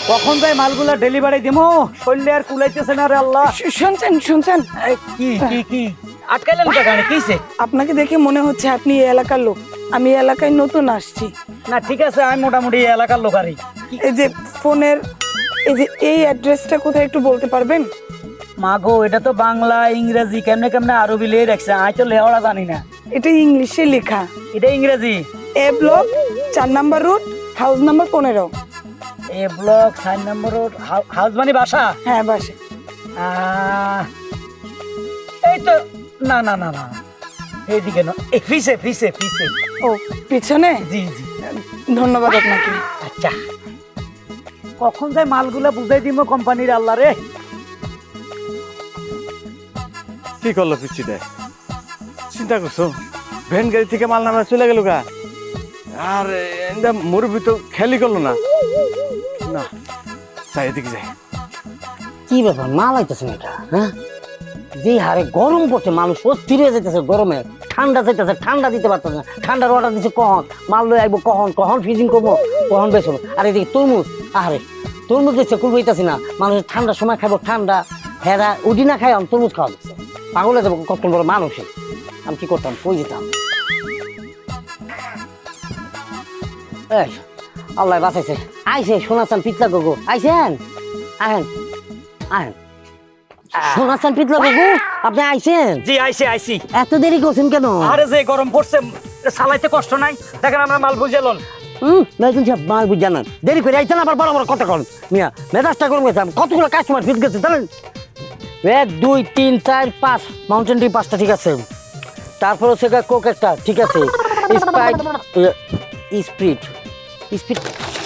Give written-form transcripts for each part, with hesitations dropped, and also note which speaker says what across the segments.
Speaker 1: কখন যাই মালগুলা ডেলিভারি দিমু শরীরে আর কুলাইতেছে না রে আল্লাহ।
Speaker 2: শুনছেন
Speaker 1: কি কি কি আটকাইলেন কেন? কিছে?
Speaker 2: আপনাকে দেখে মনে হচ্ছে আপনি এই এলাকার লোক। আমি এই এলাকায় নতুন আসছি।
Speaker 1: না ঠিক আছে, আমি মোটামুটি এই এলাকার লোকারই।
Speaker 2: এই যে ফোনের এই অ্যাড্রেসটা কোথায় একটু বলতে পারবেন?
Speaker 1: মাগো এটা তো বাংলা ইংরেজি কেমনে কেমনে আরবি লিয়ে রাখছে, আমি তো লেওয়া জানি না।
Speaker 2: এটা ইংলিশে লেখা।
Speaker 1: এটা ইংরেজি।
Speaker 2: A block 4 number route, house number 15।
Speaker 1: A block 4 নম্বর রোড, হাউস মানে বাসা।
Speaker 2: হ্যাঁ বাসে।
Speaker 1: এই তো না না না না এইদিকে না, এই ফিসে ফিসে ফিসে।
Speaker 2: ও পিছনে।
Speaker 1: জি জি
Speaker 2: ধন্যবাদ আপনাকে।
Speaker 1: আচ্ছা কখন যাই মালগুলা বুঝাই দিব কোম্পানির আল্লাহ রে।
Speaker 3: কি করলো পিচ্ছিটা? চিন্তা করছো ভ্যান গাড়ি থেকে মাল নামা চলে গেল গা, আর মুরব্বী তো খেয়ালই করলো না। না যাই এদিকে যাই।
Speaker 4: কি ব্যাপার মাল আইতেছে না এটা? হ্যাঁ, যে হারে গরম পড়ছে মানুষ অস্থির হয়ে যেতেছে গরমে। ঠান্ডা চাইতেছে, ঠান্ডা দিতে পারতেছে না। ঠান্ডার অর্ডার দিচ্ছে কখন মাল লই আইবো, কখন কখন ফ্রিজিং করবো, কখন বেসবো। আর এদিকে তরমুজ, আরে তরমুজ দিচ্ছে কুল বইতাছি না। মানুষের ঠান্ডার সময় খাবো ঠান্ডা, হেরা উডি না খাই আমি তরমুজ খাওয়া দিচ্ছে। পাগলে যাবো কত বড় মানুষে। আমি কি করতাম, কই যেতাম? এই আল্লাহ বাঁচাইছে, আইসে শোনাচ্ছেন পিতলা গগু আইসেন, আহেন আহেন। শোনাচ্ছেন পিতলা গগু আপনি আইসেন?
Speaker 1: জি আইছি আইছি।
Speaker 4: এত দেরি করছেন কেন?
Speaker 1: আরে যে গরম পড়ছে চালাইতে কষ্ট নাই, দেখেন আমরা মাল বুঝালন।
Speaker 4: মেজুন সাহেব মাল বুঝ জানান, দেরি করে আইছেন আবার বড় বড় কথা করেন। মিয়া মেজাজটা গরম গেছে, কতগুলো কাস্টমার ফিট গেছে জানেন? 1 2 3 4 5 মাউন্টেন ডিউ 5টা ঠিক আছে, তারপর হচ্ছে কোক একটা ঠিক আছে, স্প্রাইট স্প্রিট স্পিড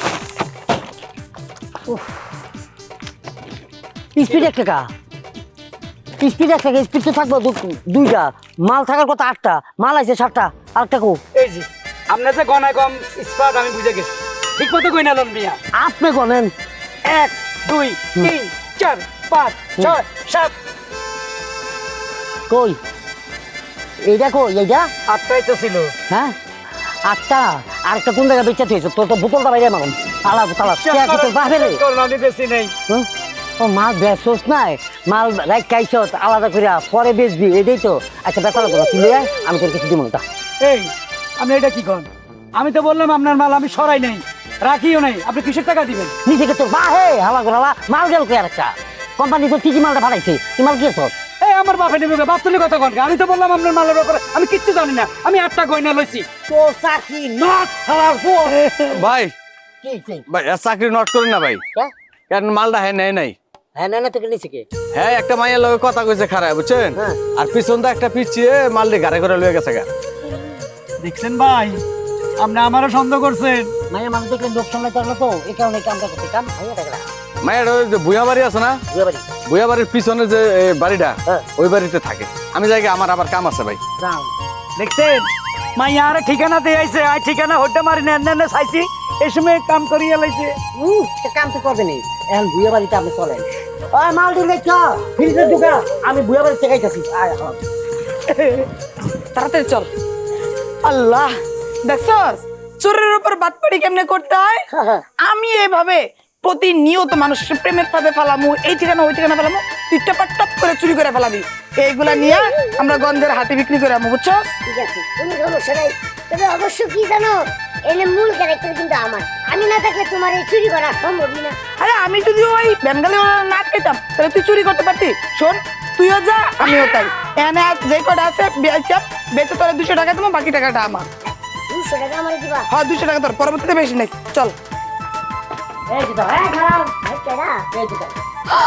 Speaker 4: স্পিড 1 টাকা, স্পিড 1 টাকা। স্পিড তো থাকবো 2টা, মাল থাকার কথা 8টা, মাল আছে 7টা। আরেকটা কো?
Speaker 1: এই জি আপনি যে গনায় কম স্পার্ট আমি বুঝে গেছি, ঠিক মতো কই না লন মিয়া।
Speaker 4: আপনি গনেন
Speaker 1: 1 2 3 4 5 6 7
Speaker 4: কই? এইটা কই? এইটা
Speaker 1: 8টাই তো ছিল।
Speaker 4: হ্যাঁ 8টা। আরেকটা কোন জায়গায় বেঁচে থইছো? তোর তো বোতলটা বাইরে মারুন। তালা তালা তোর বাপে রে।
Speaker 1: আমি বেশি নেই।
Speaker 4: ও মাল বেচোস নাই, মাল রাখ খাইছত আলাদা করে পরে বেচবি, এটাই তো। আচ্ছা বেচা লাগবে না, তুই লই আয়, আমি তোর কিছু দিব না।
Speaker 1: এই আপনি এটা কি করেন? আমি তো বললাম আপনার মাল আমি সরাই নাই, রাখিও নাই, আপনি কিসের টাকা দিবেন?
Speaker 4: নিজেকে তোর বাহে হালা করে হালা মাল গেল কে? আরেকটা কোম্পানি তো ঠিকই মালটা ভাড়াইছে, তুই মাল কি তোর?
Speaker 1: এই আমার বাপে নেবে, বাপ তুলি কথা কন। আমি তো বললাম আপনার মালের ব্যাপারে আমি কিচ্ছু জানি না, আমি 8টা গয়না লইছি।
Speaker 4: তো চাকরি নট হালার পর
Speaker 3: ভাই
Speaker 4: কি
Speaker 3: ভাই চাকরি নট করেন না ভাই, কারণ মালটা হ্যাঁ নেয় নাই।
Speaker 4: হ্যাঁ না তোকে নিচে কে?
Speaker 3: হ্যাঁ একটা মাইয়ের লগে কথা কইছে খারাপ বুঝছেন,
Speaker 4: হ্যাঁ।
Speaker 3: আর পিছন দা একটা পিছিয়ে মালটি গাড়ি করে লয়ে গেছে গা।
Speaker 1: দেখছেন ভাই, আপনি আমারও সন্দেহ করছেন।
Speaker 4: মায়ের মানুষ দেখলে লোক সামলাইতে পারলো তো, এই কারণে কামটা করতে কাম ভাইয়া টাকা
Speaker 3: মায়ের ওই যে বুয়া বাড়ি আছে না,
Speaker 4: বুঝাবাড়ি
Speaker 3: বুয়া বাড়ির পিছনে যে বাড়িটা,
Speaker 4: হ্যাঁ।
Speaker 3: ওই বাড়িতে থাকে। আমি যাই গে, আমার আবার কাম আছে ভাই।
Speaker 4: যাও।
Speaker 1: দেখছেন মাইয়া আরে ঠিকানা দিয়ে আইছে, আই ঠিকানা হইতে মারি না এনে চাইছি, এই সময় কাম করিয়া লাইছে।
Speaker 4: কাম তো করবে নি, এখন বুয়া বাড়িতে আপনি চলেন। ওই মাল দিলে চল ফ্রিজে ঢুকা, আমি বুয়া বাড়িতে খাইতেছি। আয় আয়।
Speaker 2: তাড়াতাড়ি চল। আল্লাহ দেখছস চোরের উপর বাটপাড়ি কেমনে করতে হয়। আমি এইভাবে প্রতিনিয়ত মানুষের প্রেমের ফাঁদে ফেলামু, এই ঠিকানা ওই ঠিকানা ফেলামু, তুই টপ টপ করে চুরি করে ফেলাবি। এইগুলা নিয়ে আমরা গঞ্জের হাটে বিক্রি করে আমু, বুঝছো?
Speaker 5: ঠিক আছে, কোনো সমস্যা নাই। তবে অবশ্য কি জানো, এনে মূল ক্যারেক্টার কিন্তু আমার। আমি না থাকলে তোমার এই চুরি করা সম্ভবই না।
Speaker 2: আরে আমি যদি ওই বেঙ্গালি না আটকাইতাম তাহলে তুই চুরি করতে পারতি। শোন তুইও যা আমিও তাই, এনে যে কটা আছে বেচে তোরা 200 টাকা দেবো, বাকি টাকাটা আমার।
Speaker 5: 200 টাকা আমার দিবা?
Speaker 2: হ্যাঁ 200 টাকা তোর, পরবর্তীতে বেশি নাই। চল।
Speaker 4: এই যে দাও, এই খারাপ
Speaker 5: কেডা?
Speaker 4: এই যে দাও।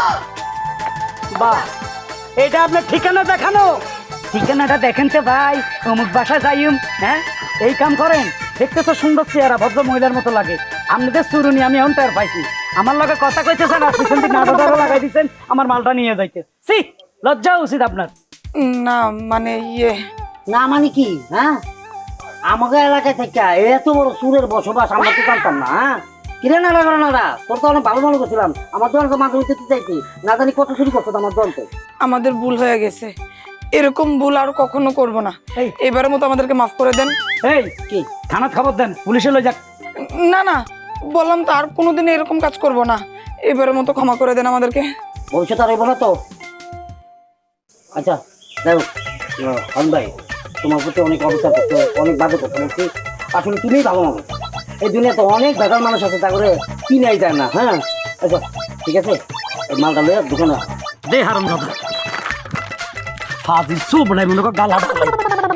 Speaker 1: বাহ, এটা আপনার ঠিকানা দেখানো? ঠিকানাটা দেখেন তো ভাই, অমুক বাসা যাইম। হ্যাঁ এই কাম করেন, দেখতে তো সুন্দর চেহারা, ভদ্র মহিলার মতো লাগে। আপনাদের চুরুনি আমি এখন টের পাইছি। আমার লগে কথা কইতেছেন আর পিছন দিকে নাড়াডাড়া লাগাই দিচ্ছেন আমার মালটা নিয়ে যাইতে। সি লজ্জা উচিত আপনার।
Speaker 2: না মানে
Speaker 4: না মানে কি? হ্যাঁ আমাকে এলাকায় থেকে এত বড় সুরের বসবাস আমরা তো জানতাম না। হ্যাঁ কিরে না না তোর তো অনেক ভালো মনে করছিলাম, আমার দল তো মাঝে মধ্যে চাইছি, না জানি কত চুরি করছো আমার দল তো।
Speaker 2: আমাদের ভুল হয়ে গেছে, এরকম ভুল আর কখনো করব না। এবারের মতো আমাদেরকে মাফ করে দেন।
Speaker 1: এই কি থানাত খবর দেন, পুলিশে লই যাক।
Speaker 2: না না বললাম তো, আর কোনোদিন এরকম কাজ করব না। এবারের মতো ক্ষমা করে দেন আমাদেরকে।
Speaker 4: ভবিষ্যৎ আর হইব না তো। আচ্ছা দেখো হন ভাই, তোমার প্রতি অনেক অবিচার করতে, অনেক বাজে করতে বলছি। আসলে তুমিই ভালো মানুষ। এই দুনিয়াতে অনেক বেকার মানুষ আছে, তা করে কিনাই যায় না। হ্যাঁ আচ্ছা ঠিক আছে, এই মালটা লয়ে দোকানে
Speaker 1: দে হারাম দাদা ফাজিল সব নাই মনে কর গালা ঢালাই।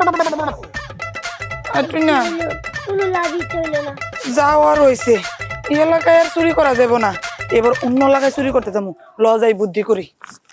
Speaker 2: আর তুই না
Speaker 5: কোনো লাভই চইল না।
Speaker 2: যাও আর হয়েছে, এই এলাকায় আর চুরি করা যাবো না, এবার অন্য এলাকায় চুরি করতে যাবো। ল যাই বুদ্ধি করি।